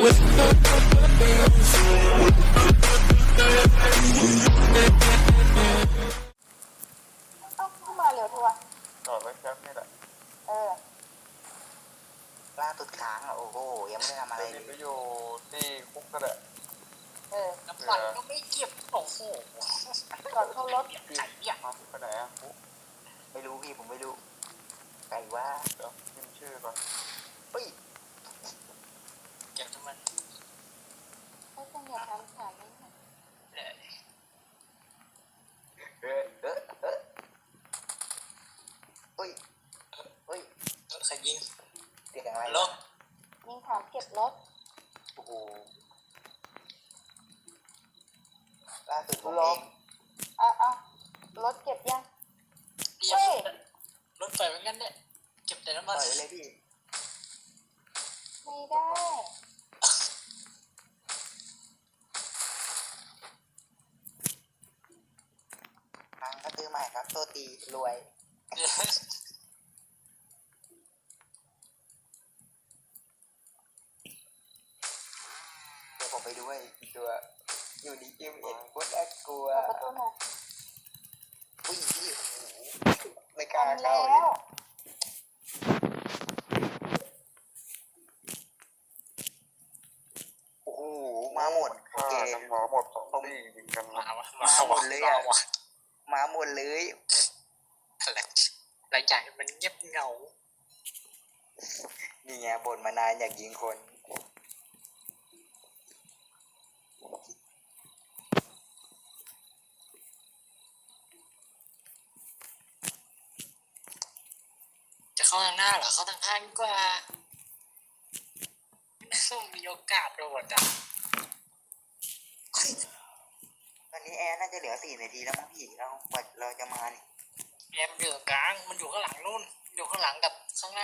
เข้ามาเร็วทัวร์จอดไว้แค่นี่แหละล่าตุดค้างอ่ะโอ้โหยังไม่ได้ทำอะไรเลยไปอยู่ที่คุกก็ได้น้ำมันก็ไม่เก็บโอ้โหก่อนเข้ารถไก่เนี่ยไปไหนอ่ะคุกไม่รู้พี่ผมไม่รู้ไก่ว่าเดี๋ยวพิมพ์ชื่อก่อนเฮ้ยเก็บน้ำมันไม่ต้องอย่าทำขายนี่เฮ้ยเฮ้ยใครยิงเสียงอะไรลงยิงถามเก็บรถโอ้โหล่าสุดผมเองรถเก็บยังเฮ้ยรถไฟเหมือนกันเนี่ยเก็บแต่น้ำมันเลยพี่ไม่ได้ทางก็ซื้อใหม่ครับโทษทีรวยเดี๋ยวผมไปด้วยตัวอยู่ดีกิมเอ็นโคตรน่ากลัวประตูหน่อยอุ้ยพี่ไม่กล้าเข้าแล้วโอ้โหมาหมดเกมหมอหมด2 ที่ยิงกันมาหมดเลยอ่ะมาหมดเลยรายจ่ายมันเงียบเงานี่ไงบ่นมานานอยากยิงคนจะเข้าทางหน้าเหรอเข้าทางข้างดีกว่าต้องมีโอกาสโดดอ่ะตอนนี้แอร์น่าจะเหลือ4 นาทีแล้วมั้งพี่เราจะมานี่แอมอยู่กลางมันอยู่ข้างหลังนู่นอยู่ข้างหลังกับข้างหน้า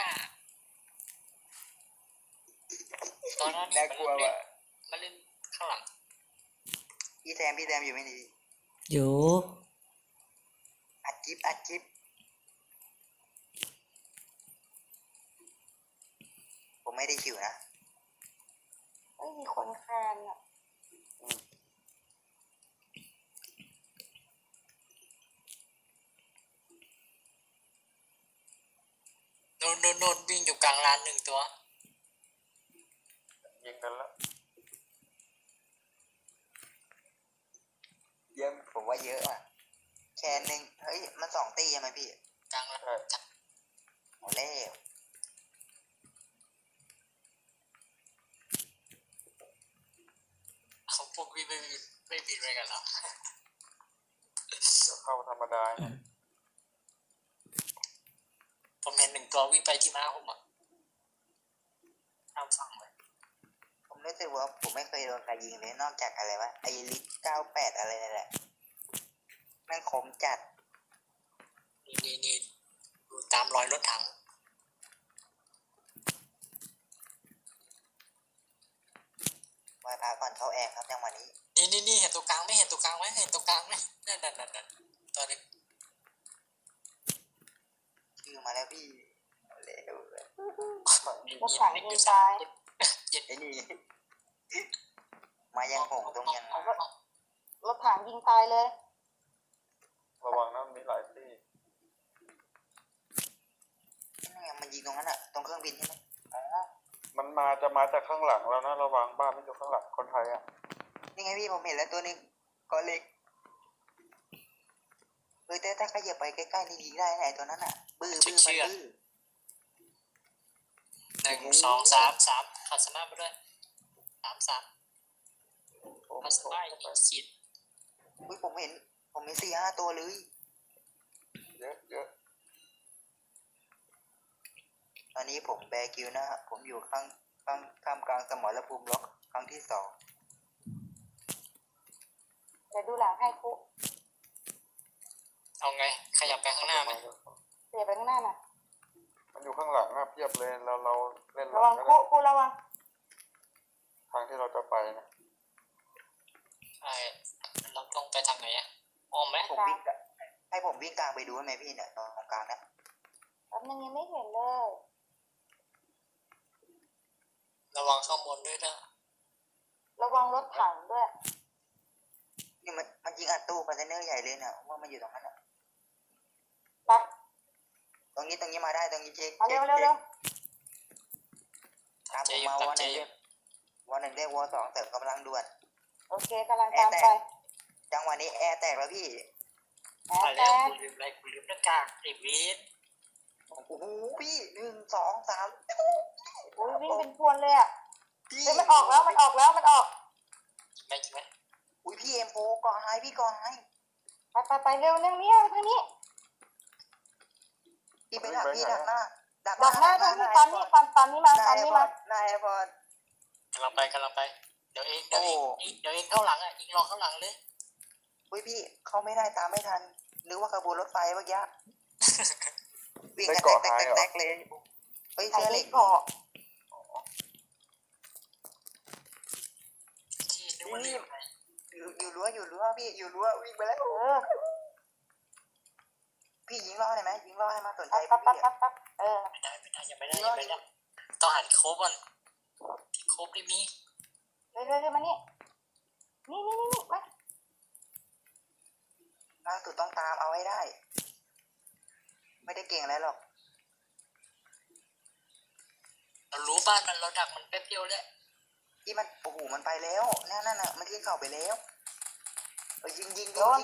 ตอนนั้นน่ากลัวว่ะมาเล่นข้างหลังพี่แซมอยู่ไหมนี่อยู่อัดจิ๊บผมไม่ได้คิวนะไม่มีคนคานอ่ะโน่นวิ่งอยู่กลางลาน1 ตัวยิงกันแล้วเยอะผมว่าเยอะอ่ะแค่นึงเฮ้ยมัน2 ตีใช่ไหมพี่กลางลานหมดแล้วเขาพวกพี่ไม่บินไปกันหรอเข้าธรรมดาผมเห็น1 ตัววิ่งไปที่ม้าผมอ่ะตามฝั่งเลยผมรู้สึกว่าผมไม่เคยโดนใครยิงเลยนอกจากอะไรวะไอลิท98อะไรนั่นแหละแม่งคมจัดนี่ดูตามรอยรถถังมาพาก่อนเข้าแอร์ครับจังหวะนี้นี่เห็นตัวกลางไหมเห็นตัวกลางไหมนั่นตัวนึงชื่อมาแล้วพี่เร็วเลยรถถังยิงตายไอ้นี่มายังหงตรงยังรถถังยิงตายเลยระวังนะมีหลายที่นี่มันยิงตรงนั้นอ่ะตรงเครื่องบินใช่ไหมมันจะมาจากข้างหลังแล้วนะระวังบ้านไม่อยู่ข้างหลังคนไทยอ่ะนี่ไงพี่ผมเห็นแล้วตัวนึงก้อนเล็กแต่ถ้าขยับไปใกล้ๆนี่ยิงได้ไหนตัวนั้นอ่ะบื้อ1 2 3ขัดสมาร์ทไปด้วย3ขัดสมาร์ทฉีดผมเห็น4-5 ตัวเลยเยอะตอนนี้ผมแบกิวนะครับผมอยู่ข้ามกลางสมรภูมิล็อกครั้งที่ 2 เดี๋ยวดูหลังให้คุเอาไงขยับไปข้างหน้าไหมเสียไปข้างหน้าน่ะมันอยู่ข้างหลังเพียบเลยเราเล่นระวังคุระวังทางที่เราจะไปนะเราต้องไปทางไหนอ่ะอ้อมไหมให้ผมวิ่งกลางไปดูไหมพี่เนี่ยตรงกลางนะแป๊บนึงยังไม่เห็นเลยระวังข้างบนด้วยนะระวังรถถังด้วยนี่มันยิงอัดตู้คอนเทนเนอร์ใหญ่เลยเนี่ยว่ามันอยู่ตรงนั้นอ่ะไปตรงนี้มาได้ตรงนี้เจ๊กมาเร็วเร็วเร็วตามผมมาวอหนึ่งเรียกวอหนึ่งเรียกวอสองเสริมกำลังด่วนโอเคกำลังตามไปจังหวะนี้แอร์แตกแล้วพี่แอไปร์แตแล้วกกูลืมอะไรกูลืมหน้ากากไอ้เวทโอ้โหพี่1 2 3 อุ้ยวิ่งเป็นพวนเลยอ่ะพี่เฮ้ยมันออกแล้วมันออกแล้วมันออกไม่ใช่ไหมอุ้ยพี่เอ็มโฟก่อนให้พี่ก่อนให้ไปเร็วเร็วเนี่ยทางนี้พี่ไปดักพี่ดักหน้าดักหน้าทางนี้ตอนนี้ตอนนี้มาหน้าตอนแอนี้ร์พอมาร์ตหน้าแอร์พอร์ตกำลังไปเดี๋ยวเองเข้าหลังอ่ะยิงรอข้างหลังเลยอุ้ยพี่เข้าไม่ได้ตามไม่ทันนึกว่าขบวนรถไฟเมื่อกี้วิ่งกันแตกเลยเฮ้ยไอ้เสื้อเหล็นี่กเกาะที่นึกว่าลืมอะไรอยู่รั้วพี่อยู่รั้ววิ่งไปแล้ว พี่ยิงล่อได้ไหมยิงล่อให้มาสนใจปั๊บพี่ปั๊บอะปั๊บปั๊บไม่ได้ยังไม่ได้ต้องหันโคบก่อนโคบได้มีเร็วเร็วมานี่นี่มาล่าสุดต้องตามเอาให้ได้ ไม่ได้เก่งอะไรหรอกเรารู้บ้านมันเราดักมันแป๊บเดียวเลยที่มันโอ้โหมันไปแล้วนั่นน่ะมันขึ้นเข่าไปแล้วยิงโดน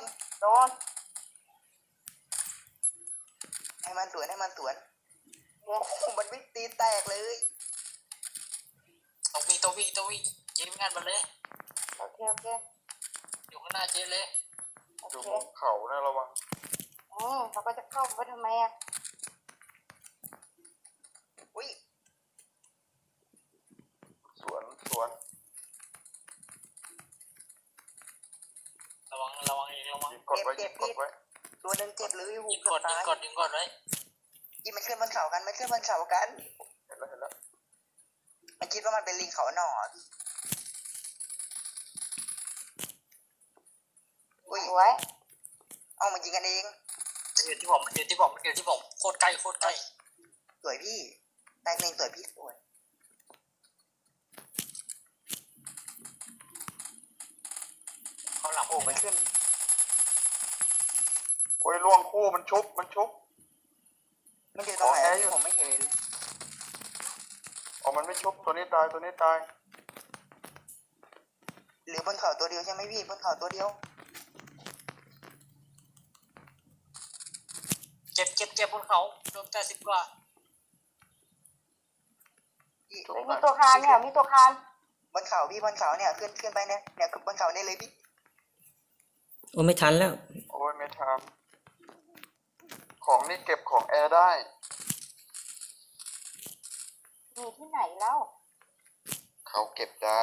ให้มันสวนโอ้โหมันวิ่งตีแตกเลยต้องวิ่งเจ๊งานมาเลยโอเคอยู่ข้างหน้าเจ๊เลยอยู่บนเขานะระวังเขาก็จะเข้าไปทำไมอ่ะอุ้ยสวนระวังเองระวังยิงกดไว้ยิงกดไว้ตัวหนึ่งเจ็บเลยหูยิงเกืกอบดตายยิงกดไว้ยิงมันขึ้นบนเขากันมันคิดว่ามันเป็นลิงเขาหน่ออุ้ยสวยเอามายิงกันเองอยู่ที่ผมโคตรใกล้สวยพี่แตกหนึ่งสวยพี่สวยเขาหลังโอ้มันขึ้นโอ้ยล่วงคู่มันชุบมันอยู่ตรงไหนผมไม่เห็นอ๋อมันไม่ชุบตัวนี้ตายหรือบนเขาตัวเดียวใช่ไหมพี่บนเขาตัวเดียวเจ็บบนเขาโดน80 กว่าพี่มีตัวคานเนี่ยมีตัวคานบนเขาพี่บนเขาเนี่ยขึ้นไปเนี่ยบนเขาเนี่ยเลยพี่โอ้ไม่ทันแล้วโอ้ยไม่ทำของนี่เก็บของแอร์ได้มีที่ไหนแล้วเขาเก็บได้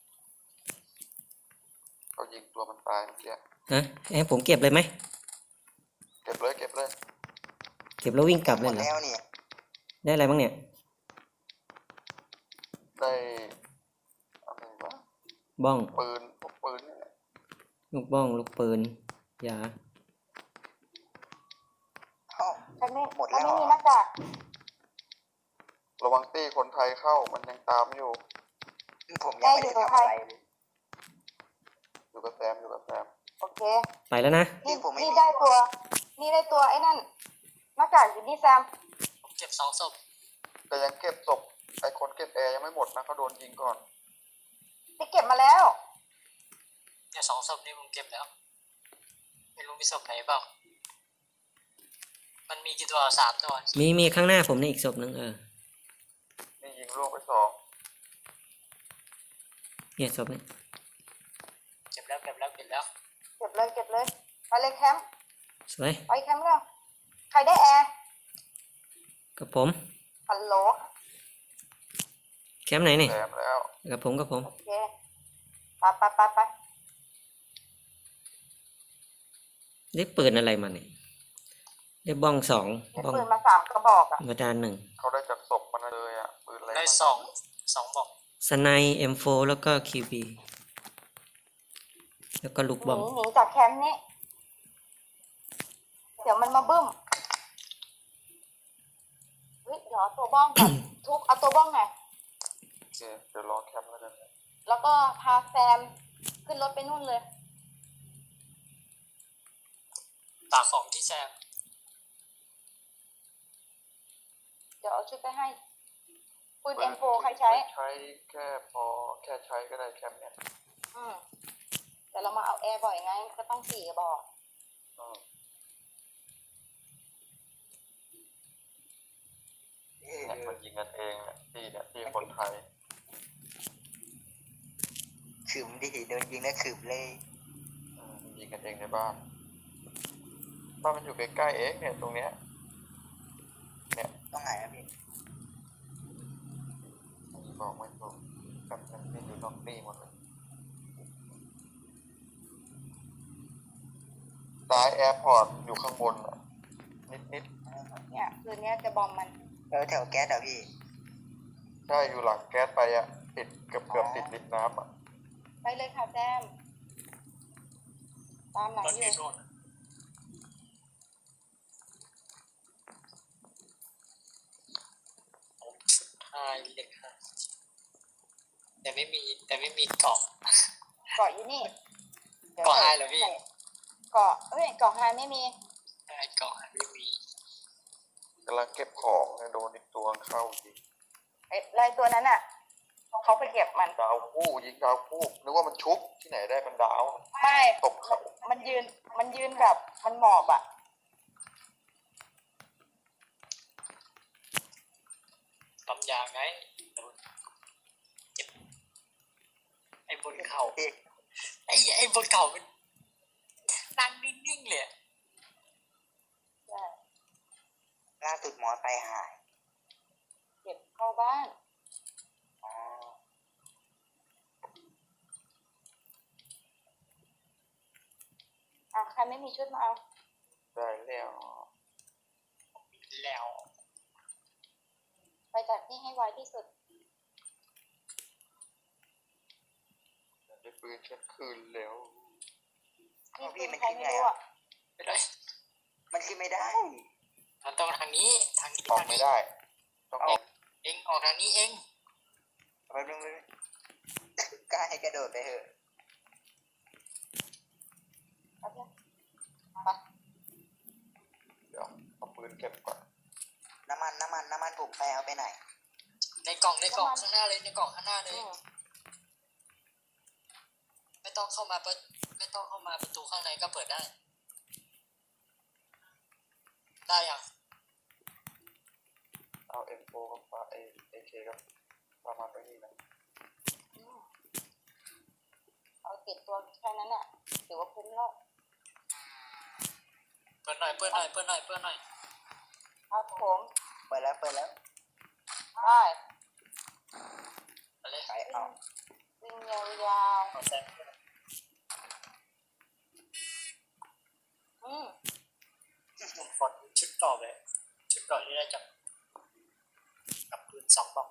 เขายิงตัวมันตายเมื่อกี้ฮะให้ผมเก็บเลยไหมเก็บเลยเก็บแล้ววิ่งกลับหเลมยดเหรอแล้วเนี่ยได้อะไรบ้างเนี่ยได้อะไรวะบ้องปืนพวกปืนนี่แหละลูกบ้องลูกปืนยาเอ้าฉันไม่หมดแล้วฉันไม่มีหน้ากากระวังตี้คนไทยเข้ามันยังตามอยู่ผมยังไม่ได้ทำอะไรเลยอยู่กับแซมโอเคไปแล้วนะนี่ได้ตัวไอ้นั่นหน้ากากอยู่นี่แซมผมเจ็บ2 ศพแต่ยังเก็บศพไอ้คนเก็บแอร์ยังไม่หมดนะเขาโดนยิงก่อนที่เก็บมาแล้วเนี่ย2 ศพนี่ผมเก็บแล้วไม่รู้มีศพไหนเปล่ามันมีกี่ตัว3 ตัวมีข้างหน้าผมในอีกศพหนึ่งนี่ยิงลูกไป2 เนี่ยศพนี้เก็บแล้วเก็บเลยไปเลยแคมป์สวยไปแคมป์แล้วใครได้แอร์กับผมฮัลโหลแคมป์ไหนนี่แซมแล้วกับผมโอเคไปได้ปืนอะไรมาเนี่ยได้บ้อง2 ได้บ้องปืนมา3 กระบอกอ่ะธรรมดา1 เขาได้จากศพมันเลยอ่ะปืนอะไรได้2 บอกสไน M4 แล้วก็ QB แล้วก็ลูกหบ้องนีจากแคมป์นี้เดี๋ยวมันมาบึ้มเฮ้ยเดี๋ยวเอาตัวบ้องก่อน ทุบเอาตัวบ้องหน่อยโอเคเดี๋ยวรอแคมป์แล้วกันแล้วก็พาแซมขึ้นรถไปนู่นเลยตากของที่แซมเดี๋ยวเอาชุดไปให้ปืนเปิด M4 ใครใช้ใช้แค่พอแค่ใช้ก็ได้แคมป์เนี่ยอืมแต่เรามาเอาแอร์บ่อยไงก็ต้อง4 กระบอกอืมเออเนี่ยมันยิงกันเองเนี่ยที่คนไทยขืมดิโดนยิงแล้วขืมเลยยิงกันเองในบ้านมันอยู่ใกล้ๆเองเนี่ยตรงเนี้ยต้องไหนนะพี่บอกไม่ถูกกับมันที่อยู่นอกตีหมดเลยซ้ายแอร์พอร์ตอยู่ข้างบนอะนิดเนี่ยคืนนี้จะบอมมันแถวแก๊สเหรอพี่ๆใช่อยู่หลังแก๊สไปอะติดเกือบติดลิฟต์น้ำอะไปเลยค่ะแซม ตามหลังรถออยู่ยู่โน่นไฮเล็กค่ะแต่ไม่มีเกาะเกาะอยู่นี่ดี๋ยวเกาะไฮเหรอพี่เกาะเกาะไฮไม่มีไอ้เกาะไม่มีกำลังเก็บของเนี่ยโดนอีกตัวเข้ายิงไอ้ลายตัวนั้นอ่ะเขาไปเก็บมันดาวคู่ยิงดาวคู่นึกว่ามันชุบที่ไหนได้เป็นดาวไม่ตบเขามันยืนแบบมันหมอบอ่ะปั๊มยาไงเจ็บไอ้บนเขาพี่ไอ้บนเขามันนั่งนิ่งๆเลยอะล่าสุดหมอไตหายเก็บเข้าบ้านอ๋อใครไม่มีชุดมาเอาได้แล้วแล้วไปจากนี่ให้ไวที่สุดได้ปืนเช็ดคืนแล้วนี่ปืนใครไม่รู้อ่ะไม่ได้มันขึ้นไม่ได้มันต้องทางนี้ออกไม่ได้ ต้องออกเองออกทางนี้เองแป๊บนึงเลยกล้าให้กระโดดไปเถอะเอาเถอะไปเดี๋ยวเอาปืนเก็บก่อนน้ำมันผมไปเอาไปไหนในกล่องข้างหน้าเลยในกล่องข้างหน้าเลย ไม่ต้องเข้ามาประตูข้างในก็เปิดได้ ได้ยังเอา M4 กับฟ้าAK กับประมาณนี้นะเอาติดตัวแค่นั้นอ่ะถือว่าคุ้มแล้วเปิดหน่อยครับผมเปิดแล้วไปเอาเลยไปเอาวิ่งยาวเอาแซงๆผมขอชุดต่อเลยชุดต่อที่ได้จากกับปืน2 บอก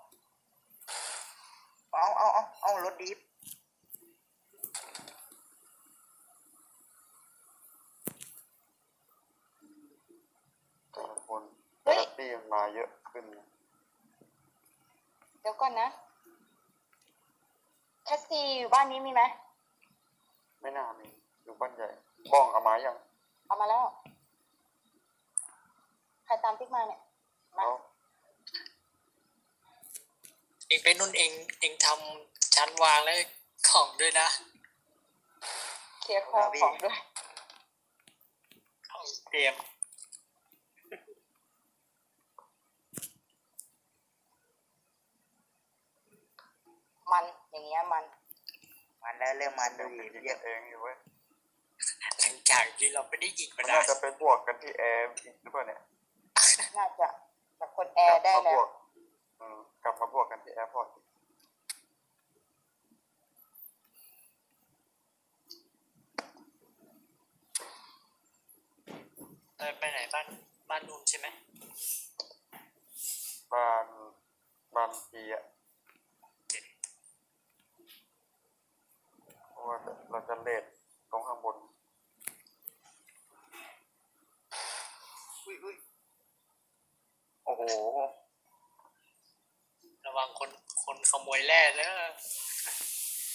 เอารถดิฟแต่ละคนแต่ละตีมันมาเยอะขึ้นเดี๋ยวก่อนนะแคสซีอยู่บ้านนี้มีไหมไม่น่ามีอยู่บ้านใหญ่บ้องเอามายังเอามาแล้ว ใครตามติ๊กมาเนี่ย มาเอาเองไปนุ่นเองทำชั้นวางแล้วของด้วยนะเคลียร์ของด้วยของเตรียมมันอย่างเงี้ยมันมันแล้วเริ่มมันดูยิดิงเยกัอะนเองอยู่เว้ยหลังจากที่เราไม่ได้ยิงมัมานน่าได้จะไปบวกกันที่แอร์อีกหรือเปล่าเนี่ยน่าจะแต่คนแอร์ได้กลับมาแล้บววกกลับมาบวกกันที่แอร์พอร์ตไปไหนบ้านนุ่นใช่ไหมบ้านปีอ่ะเพราะว่าเราจะเลทตรงข้างบนอุ้ยโอ้โหระวังคนขโมยแร่แล้ว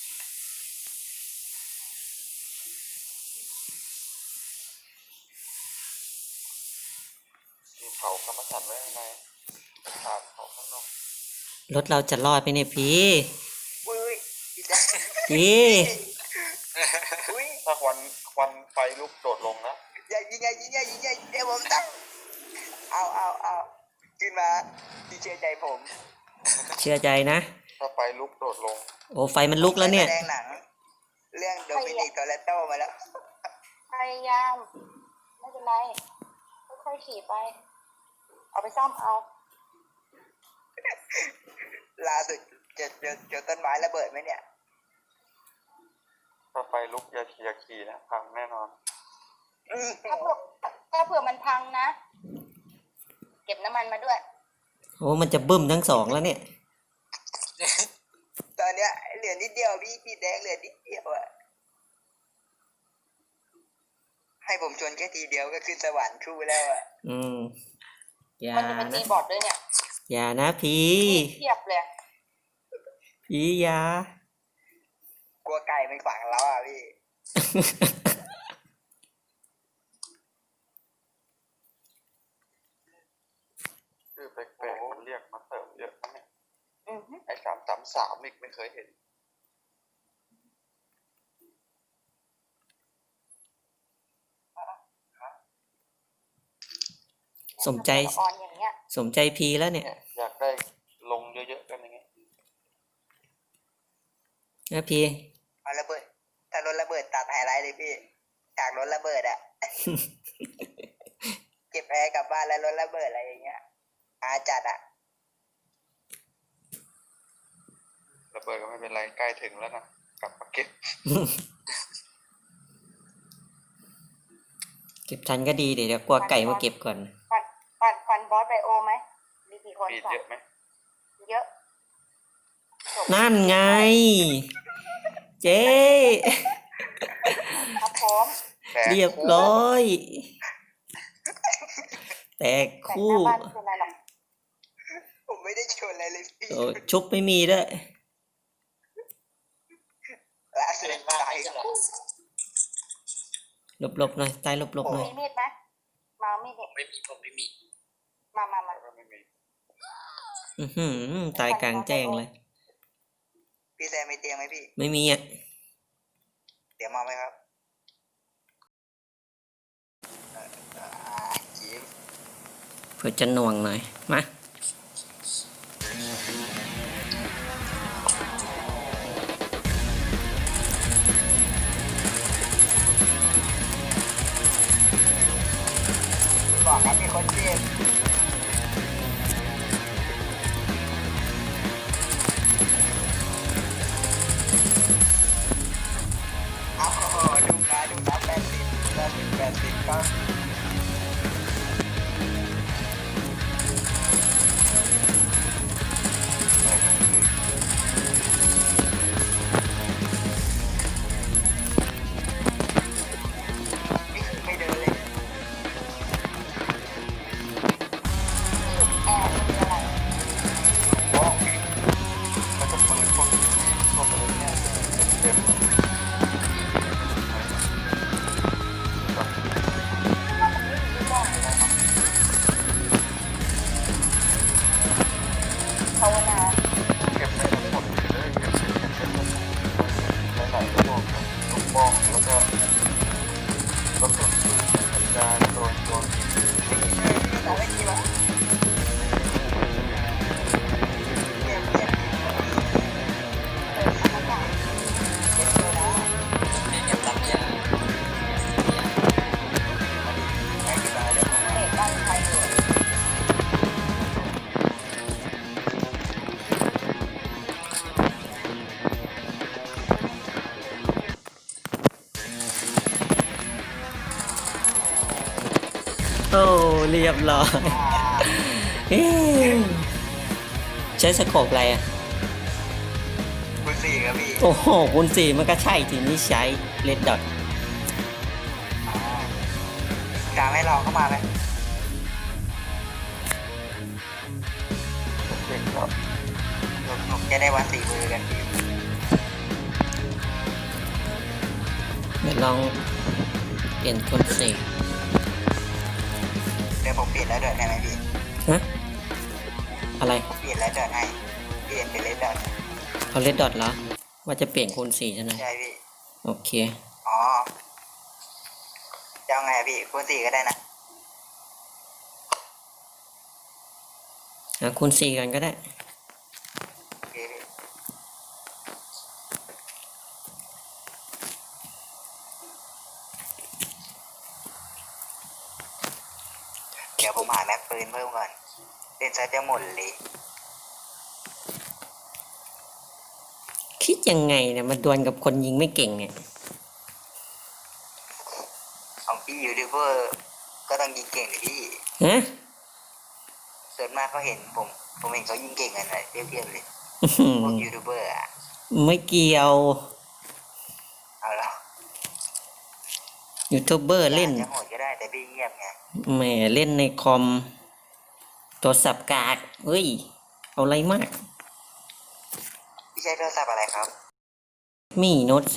เผากรรมฐานไว้ข้างในถามเขาข้างนอกรถเราจะรอดไหมเนี่ยพี่อุ้ยพี่แจ๊คพี่อุ้ยถ้าควันไฟลุกโดดลงนะยิงไงเดี๋ยวผมตัดเอาขึ้นมาพี่เชื่อใจผมเชื่อใจนะถ้าไฟลุกโดดลงโอ้ไฟมันลุกแล้วเนี่ยแสดงหนัง เรื่องโดมินิกโตเรโต้มาแล้วพยายาม ไม่เป็นไร ค่อยๆขี่ไป เอาไปซ่อมเอาล่าสุดเจอต้นไม้ระเบิดไหมเนี่ยถ้าไฟลุกอย่าขี่นะพังแน่นอนถ้าเผื่อมันพังนะ เก็บน้ำมันมาด้วยโอ้มันจะบึ้มทั้งสองแล้วเนี่ยตอนเนี้ยเหลือนิดเดียวพี่แดงเหลือนิดเดียวอะให้ผมชนแค่ทีเดียวก็ขึ้นสวรรค์ชูแล้วอะอืมอย่ามันจะเป็นนะตีบอร์ดด้วยเนี่ยอย่านะพี่เทียบเลยพี่อย่ากลัวไก่มันขวางเราอะพี่ชื่อแปลกๆเรียกมาเสริมเยอะนะเนี่ยอือฮึไอ้333อีกไม่เคยเห็นสมใจออนอย่างเงี้ยสมใจพีแล้วเนี่ยเนี่ยอยากได้ลงเยอะๆกันอย่างเงี้ยนะพี่เอาระเบิดถ้ารถระเบิดตัดไฮไลท์เลยพี่จากรถระเบิดอะ เก็บแอร์กลับบ้านแล้วรถระเบิดอะไรอย่างเงี้ยอาจัดอะระเบิดก็ไม่เป็นไรใกล้ถึงแล้วนะกลับมาเก็บเก็บทันก็ดีเดี๋ยวกลัวไก่มาเก็บก่อนฟันบอสไบโอไหม มีกี่คนมีดสอเยงอะไหมเยอะนั่นไง เจ๊ครับผมแต่เรียบร้อย แตกแต่หคู่น้าบ้านเป็นไรหรอกผมไม่ได้ชนอะไรเลยพี่โอ้ชุบไม่มีด้วยล่าสุดเล่นบ้านตายไม่ใช่เหรอหลบๆหน่อยตายหลบๆหน่อยมีมีดไหมมามีดเนี่ยผมไม่มีมาก็ไม่มีอื้อหือตายกลางแจ้งเลยพี่แซมมีเตียงไหมพี่ไม่มีอ่ะเดี๋ยวมาไหมครับจิ๊บเพื่อจะหน่วงหน่อย มาบอกครับมีคนเจ็บเอาดูนะ80ก็ไม่เดินเลยแอร์เป็นอะไรว้าวแล้วก็ปืนพวกปืนเนี่ยเต็มภาวนาเก็บได้ทั้งหมดเลยเก็บหลายๆพวกลูกบ้องแล้วก็กระสุนปืนกระจายโดนเราไม่คิดว่าเก็บเก็บเก็บรับยาไอ้ที่มาเดี๋ยวผมเด็กบ้านใครอยู่โอ้เรียบร้อย เอ๊ะใช้สโคปอะไรอ่ะคุณสี่ครับพี่โอ้โหคุณสี่มันก็ใช่ทีนี้ใช้เลดดอทกลางให้เราเข้ามาไหมเด็กก็ผมจะได้วัดสี่มือกันพี่เดี๋ยวลองเปลี่ยนคนสี่เดิดี๋ยวผมเปลี่ยนแล้วเดินให้ไหมพี่ฮะ อะไรผมเปลี่ยนแล้วเดินให้เปลี่ยนเป็นเลดเดินเอาเลดดอทเหรอ ว่าจะเปลี่ยนคูณ4ใช่ไหมใช่พี่โอเคอ๋อจะเอาไงอะพี่คูณ4ก็ได้นะคูณ4กันก็ได้โอเคพี่เดี๋ยวผมหาแม็กปืนเพิ่มก่อนเล่นซะจะหมดเลยคิดยังไงเนี่ยมาดวลกับคนยิงไม่เก่งเนี่ยของพี่ยูทูบเบอร์ก็ต้องยิงเก่งเลยพี่ฮะส่วนมากเขาเห็นผมเห็นเขายิงเก่งกันเลยเทียบๆเลยพวกยูทูบเบอร์อะไม่เกี่ยวเอาละยูทูบเบอร์เล่นจะโหดก็ได้แต่พี่เงียบไงแหมเล่นในคอมโทรศัพท์กากเฮ้ย เอาอะไรมากพี่ใช้โทรศัพท์อะไรครับมีโน้ต4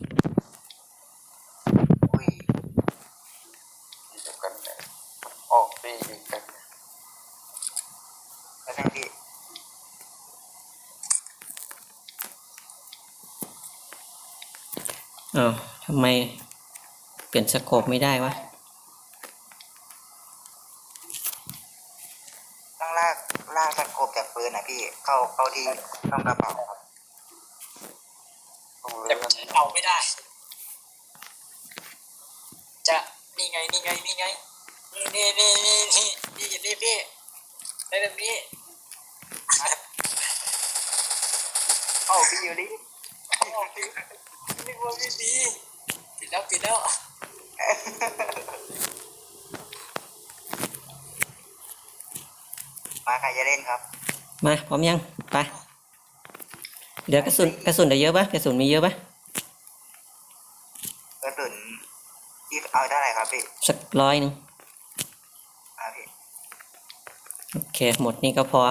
อุ้ยที่เดียวกันเนี่ยออกตียิงกันแล้วนั่งพี่อ้าวทำไมเปลี่ยนสโคปไม่ได้วะต้องลากสกบจากปืนนะพี่เข้าที่ต้องกระเป๋าครับต้องแต่เลื่อนเอาไม่ได้ จะนี่ไงนี่ไงนี่ไงนี่นี่นี่นี่นี่นี่พี่ได้แบบนี้โอ้พี่ยูรินึกว่าไม่ดีปิดแล้วปิดแล้วมาใครจะเล่นครับมาพร้อมยังไปเดี๋ยวกระสุนได้เยอะปะกระสุนมีเยอะปะกระสุนที่เอาเท่าไหร่ครับพี่สัก100นึงพี่โอเค หมดนี่ก็พอ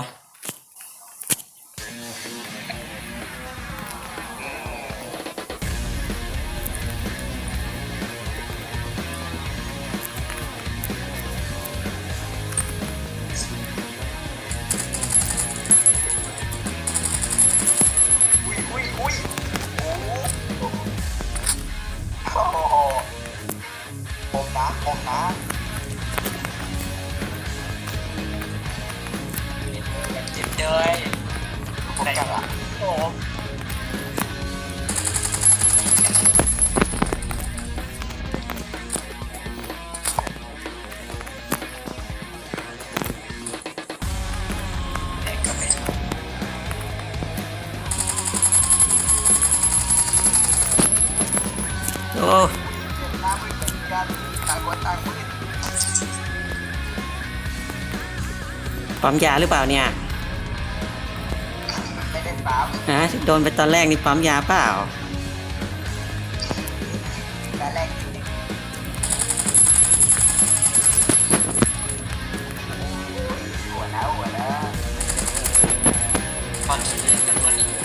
อุ้ยโอ้โหผมนะเจ็บเลยผมจังอ่ะโอ้เด็กก็ไม่โอ้น้ำมือกันต่างคนต่างมือปั๊มยาหรือเปล่าเนี่ยไม่ได้ตามฮะโดนไปตอนแรกนี่ปั๊มยาเปล่าแต่แรกหัวนะตอนที่เล่นกันวันนี้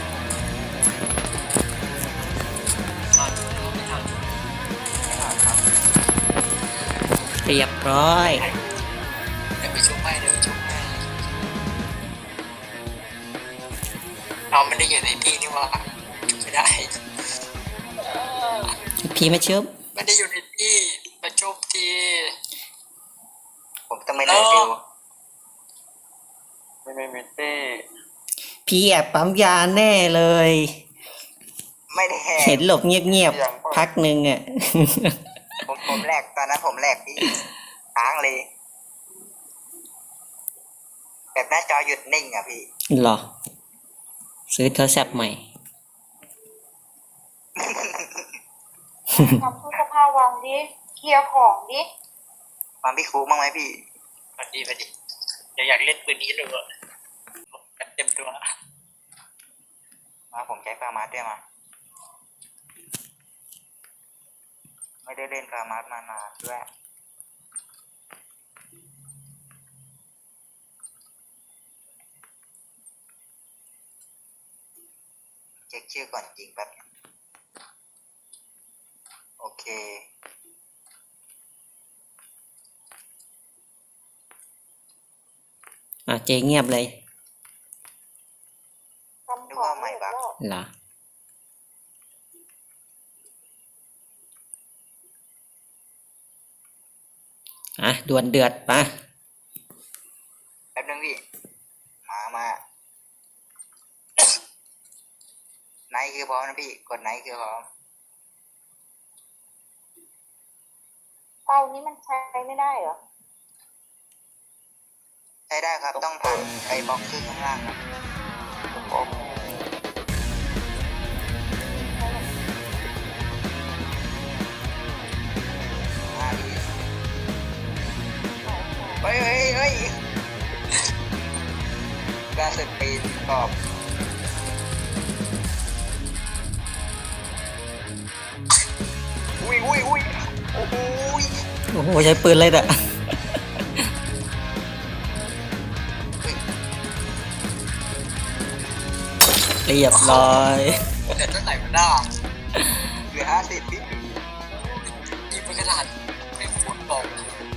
ตอนที่เราไม่ทำเรียบร้อยเดี๋ยวไปชุบให้เดี๋ยวไปชุบให้เราไม่ได้อยู่ในที่นี่ว่าชุบไม่ได้พี่ไม่เชื่อไม่ได้อยู่ในที่มาชุบทีผมต้องไม่ได้ฟิวไม่มีตี้พี่แอบปั๊มยาแน่เลยไม่ได้แหเห็กนหลบเงียบๆพักหนึ่งอ่ะผมแหลกตอนนั้นผมแหลกพี่ค้างเลย แบบหน้าจอหยุดนิ่งอ่ะพี่หรอ ซื้อโทรศัพท์ใหม่ทำตู้เสื้อผ้าวางดิเคลียร์ของดิมาพี่ครูบ้างไหมพี่พอดีอยากเล่นปืนนี้เลยอะเต็มตัวมาผมใช้ฟาร์มาสด้วยมา ไม่ได้เล่นฟาร์มาสมานานด้วยเช็คชื่อก่อนจริงแป๊บนึงโอเคเจ๊เงียบเลยทำของไม่ได้เหรอดวลเดือดปะแป๊บนึงพี่มาไนท์คือพร้อมนะพี่กดไนท์คือพร้อมเต้านี้มันใช้ไม่ได้เหรอใช้ได้ครับต้องผ่านไอ้บล็อกครึ่งข้างล่างครับโอ้โหพี่เฮ้ยกาสปีนกรอบอุ้ยโอ้โหโอ้โหใช้ปืนเลยอ่ะ เรียบร้อยแต่ตั้งไหนมันได้เหลือ50พี่ยิงไปขนาดเป็นฟุตบอล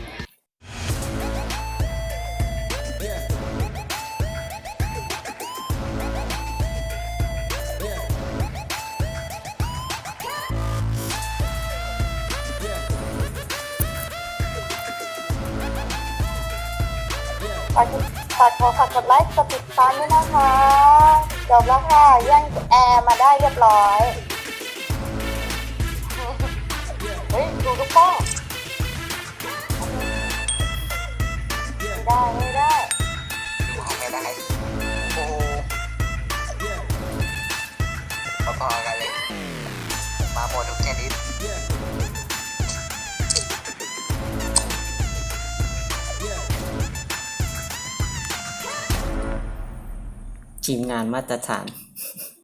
ฝากกดไลค์กดติดตามด้วยนะคะจบแล้วค่ะแย่งแอร์มาได้เรียบร้อย เฮ้ย ดูลูกโป้งไม่ได้ดูห้องไม่ได้โอ้พอๆกันเลยมาหมดทุกชนิดทีมงานมาตรฐาน